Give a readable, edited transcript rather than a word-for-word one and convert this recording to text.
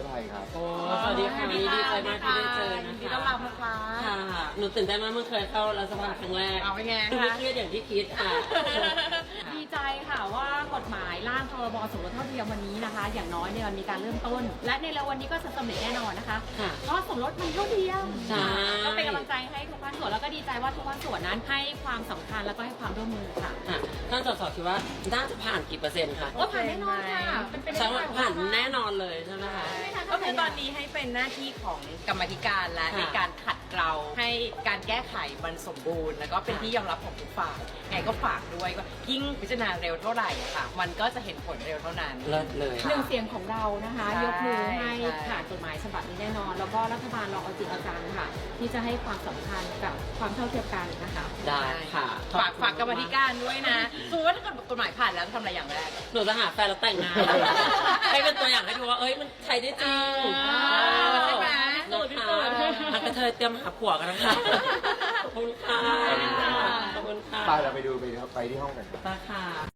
ไทยครับโอ้สวัสดีค่ะดีใจมากที่ได้เจอนะคะที่ต้อนรับนะคะค่ะหนูตื่นเต้นมากเมื่อเคยเข้ารัฐสภาครั้งแรกเอาไปไงไม่คะเครียดอย่างที่คิดค่ะดีใจค่ะว่ากฎหมายร่างพรบสมรสเท่าเทียมวันนี้นะคะ อย่างน้อยเนี่ยมันมีการเริ่มต้น และในเร็ววันนี้ก็จะสำเร็จแน่นอนนะคะค่ะเพราะสมรสมันเท่าเทียมใช่ก็เป็นกำลังใจให้ทุกภาคส่วนแล้วก็ดีใจว่าทุกภาคส่วนนั้นให้ความสำคัญแล้วก็ให้ความร่วมมือค่ะค่ะท่านสสคิดว่าน่าจะผ่านกี่เปอร์เซ็นต์คะโอ้ผ่านแน่นอนค่ะเป็นไปได้ใช่ว่าผ่านแน่นอนเลยใช่ไหมคะก็คือตอนนี้ให้เป็นหน้าที่ของกรรมาธิการและค่ะในการขัดเกลาให้การแก้ไขมันสมบูรณ์ แล้วก็เป็นค่ะที่ยอมรับของทุกฝ่ายไงก็ฝากด้วยว่ายิ่งพิจารณาเร็วเท่าไหร่อะค่ะ มันก็จะเห็นผลเร็วเท่านั้นเลิศเลยหนึ่งเสียงของเรานะคะใช่ยกมือให้ใช่ผ่านกฎหมายฉบับนี้แน่นอน แล้วก็รัฐบาลเราเอาจริงเอาจังค่ะ ที่จะให้ความสำคัญกับความเท่าเทียมกันนะคะได้ค่ะฝากกรรมาธิการด้วยนะสมมติว่าถ้าเกิดกฎหมายผ่านแล้วจะทำอะไรอย่างแรกหนูจะหาแฟนแล้วแต่งงาน ให้เป็นตัวอย่างให้ดูว่าเอ้ยมันใช้ได้จริงใช่ไหมนะคะอันกระเทยเตรียมหาผัวกันนะคะขอบคุณค่ะขอบคุณค่ะไปเราไปดูไปที่ห้องกันครับไปค่ะ